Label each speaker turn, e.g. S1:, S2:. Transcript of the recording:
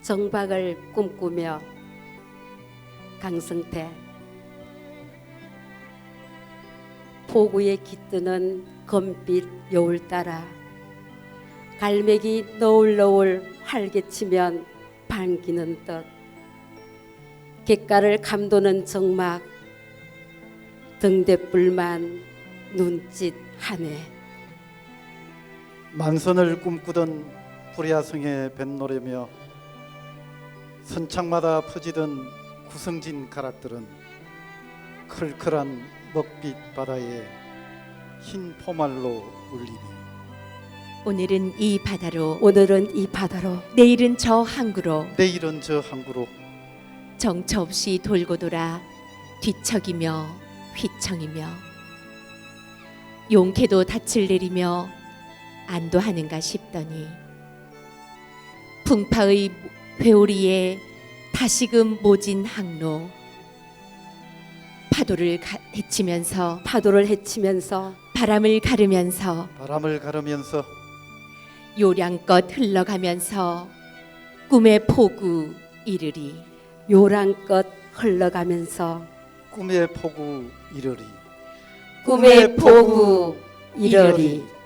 S1: 정박을 꿈꾸며 강성태 포구에 깃드는 검빛 여울 따라 갈매기 너울너울 활개치면 반기는 듯 객가를 감도는 정막 등대불만 눈짓하네.
S2: 만선을 꿈꾸던 불야성의 뱃노래며 선창마다 퍼지던 구성진 가락들은 클클한 먹빛 바다에 흰 포말로 울리네.
S3: 오늘은 이 바다로,
S1: 오늘은 이 바다로,
S3: 내일은 저 항구로,
S2: 내일은 저 항구로
S3: 정처 없이 돌고 돌아 뒤척이며 휘청이며 용케도 닻을 내리며 안도하는가 싶더니 풍파의 회오리에 다시금 모진 항로 헤치면서
S1: 파도를 헤치면서
S3: 바람을 가르면서 요량껏 흘러가면서 꿈의 포구 이르리.
S1: 요랑껏 흘러가면서
S2: 꿈의 포구 이르리.
S1: 꿈의 포구 이러리.